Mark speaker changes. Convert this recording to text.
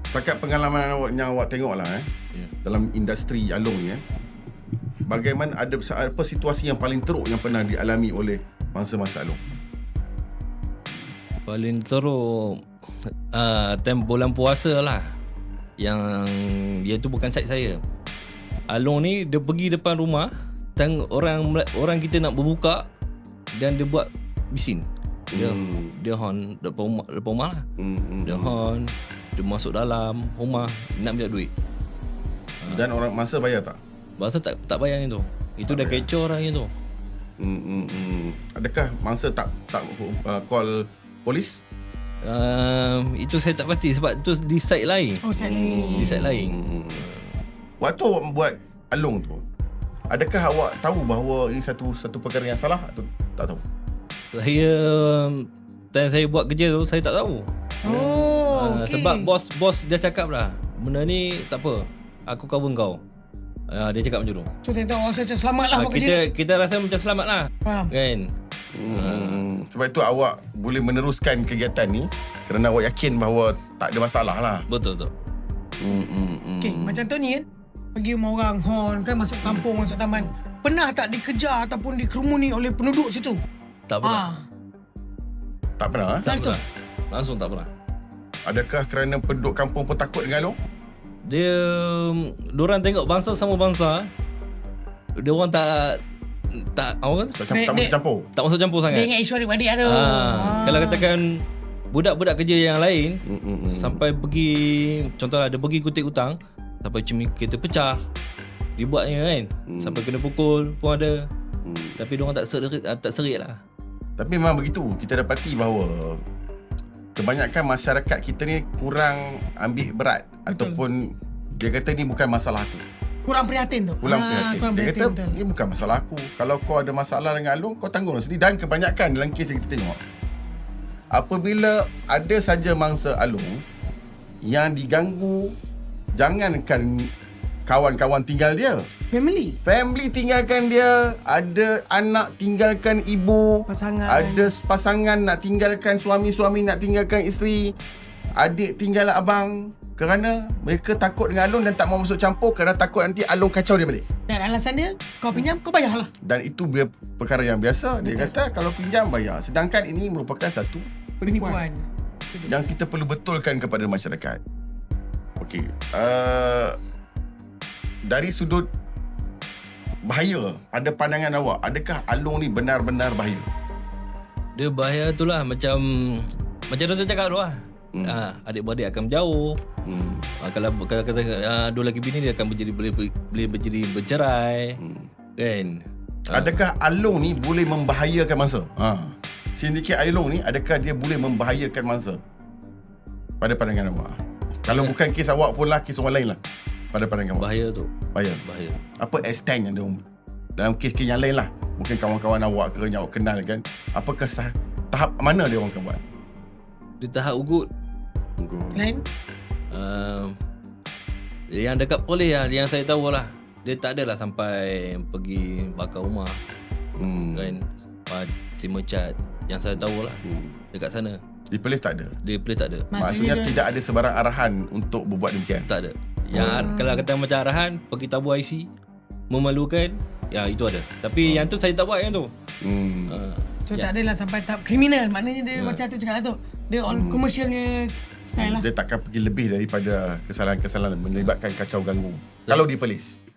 Speaker 1: Setakat pengalaman awak yang awak tengok lah dalam industri Along ni bagaimana, apa situasi yang paling teruk yang pernah dialami oleh mangsa-mangsa Along?
Speaker 2: Paling teruk time bulan puasa lah. Yang dia tu bukan side saya. Along ni dia pergi depan rumah, tengok orang kita nak berbuka dan dia buat bising. Dia horn depan rumah lah. Dia horn, dia masuk dalam rumah nak ambil duit.
Speaker 1: Dan orang mangsa bayar tak?
Speaker 2: Mangsa tak bayar yang tu. Itu dah kecoh orang yang tu.
Speaker 1: Adakah mangsa tak call polis?
Speaker 2: Itu saya tak pasti sebab tu di side lain.
Speaker 3: Side lain.
Speaker 2: Di side lain.
Speaker 1: Waktu awak buat Along tu, adakah awak tahu bahawa ini satu perkara yang salah atau tak tahu?
Speaker 2: Saya buat kerja tu saya tak tahu.
Speaker 3: Okay.
Speaker 2: Sebab bos dia cakap lah, benda ni tak apa, aku cover kau. Dia cakap macam tu.
Speaker 3: So tengok rasa macam selamat lah buat kerja.
Speaker 2: Kita rasa macam selamat lah.
Speaker 3: Faham.
Speaker 2: Kan?
Speaker 1: Sebab itu awak boleh meneruskan kegiatan ni kerana awak yakin bahawa tak ada masalah lah.
Speaker 2: Betul tu.
Speaker 3: Okay, macam tu ni kan, pergi rumah orang, horn kan, masuk kampung, masuk taman. Pernah tak dikejar ataupun dikerumuni oleh penduduk situ?
Speaker 2: Tak pernah.
Speaker 1: Tak pernah?
Speaker 2: Tak
Speaker 3: Langsung?
Speaker 2: pernah. Langsung tak pernah.
Speaker 1: Adakah kerana penduduk kampung pun takut dengan Along?
Speaker 2: Diorang tengok bangsa sama bangsa, diorang tak orang
Speaker 1: Tak masuk campur?
Speaker 2: tak masuk campur
Speaker 3: Dia
Speaker 2: sangat.
Speaker 3: ingat isu adik-adik tu.
Speaker 2: Kalau katakan budak-budak kerja yang lain sampai pergi, contohlah dia pergi kutip hutang sampai kereta pecah, dibuatnya kan, sampai kena pukul pun ada. Tapi diorang tak serik lah.
Speaker 1: Tapi memang begitu. Kita dapati bahawa kebanyakan masyarakat kita ni kurang ambil berat.
Speaker 3: Betul.
Speaker 1: Ataupun dia kata ni bukan masalah aku.
Speaker 3: Kurang prihatin tu.
Speaker 1: Kurang prihatin.
Speaker 3: Kurang
Speaker 1: Dia
Speaker 3: prihatin,
Speaker 1: kata
Speaker 3: betul.
Speaker 1: ni bukan masalah aku. Kalau kau ada masalah dengan Along, kau tanggung sendiri. Dan kebanyakan dalam kes yang kita tengok, apabila ada saja mangsa Along yang diganggu, jangankan kawan-kawan tinggal dia, family tinggalkan dia, ada anak tinggalkan ibu,
Speaker 3: Pasangan.
Speaker 1: ada pasangan nak tinggalkan suami nak tinggalkan isteri, adik tinggal abang, kerana mereka takut dengan Along dan tak mau masuk campur kerana takut nanti Along kacau dia balik.
Speaker 3: Dan alasan dia, kau pinjam, kau bayarlah.
Speaker 1: Dan itu perkara yang biasa. Dia kata kalau pinjam bayar. Sedangkan ini merupakan satu penipuan yang kita perlu betulkan kepada masyarakat. Okey, dari sudut bahaya, ada pandangan awak, adakah Along ni benar-benar bahaya?
Speaker 2: Dia bahaya tu lah, macam Dr. cakap tu lah. Adik-beradik akan menjauh. Kalau kata dua lelaki bini, dia akan boleh menjadi bercerai. Kan?
Speaker 1: Adakah Along ni boleh membahayakan mangsa? Sindiket Along ni, adakah dia boleh membahayakan mangsa? Pada pandangan awak. Kalau bukan kes awak pun lah, kes orang lain lah. Pada pandangan awak.
Speaker 2: Bahaya tu.
Speaker 1: Bahaya. Apa extent yang dia dalam kes-kes yang lain lah? Mungkin kawan-kawan awak ke yang awak kenal kan, apakah tahap mana dia orang akan buat?
Speaker 2: Di tahap ugut.
Speaker 3: Lain?
Speaker 2: Yang dekat polis lah, yang saya tahu lah, dia tak adalah sampai pergi bakar rumah. Kan? Terima cat. Yang saya tahu lah, dekat sana.
Speaker 1: Di polis tak ada?
Speaker 2: Di polis tak ada.
Speaker 1: Maksudnya tidak ada sebarang arahan untuk berbuat demikian?
Speaker 2: Tak ada. Yang kalau kata macam arahan, pergi tabur IC, memalukan, ya itu ada. Tapi yang tu saya tak buat yang tu.
Speaker 3: So tak adalah sampai tahap kriminal. Maknanya dia macam tu cakap lah tu. Dia on commercialnya style lah.
Speaker 1: Dia takkan pergi lebih daripada kesalahan-kesalahan melibatkan kacau ganggu. Kalau di polis.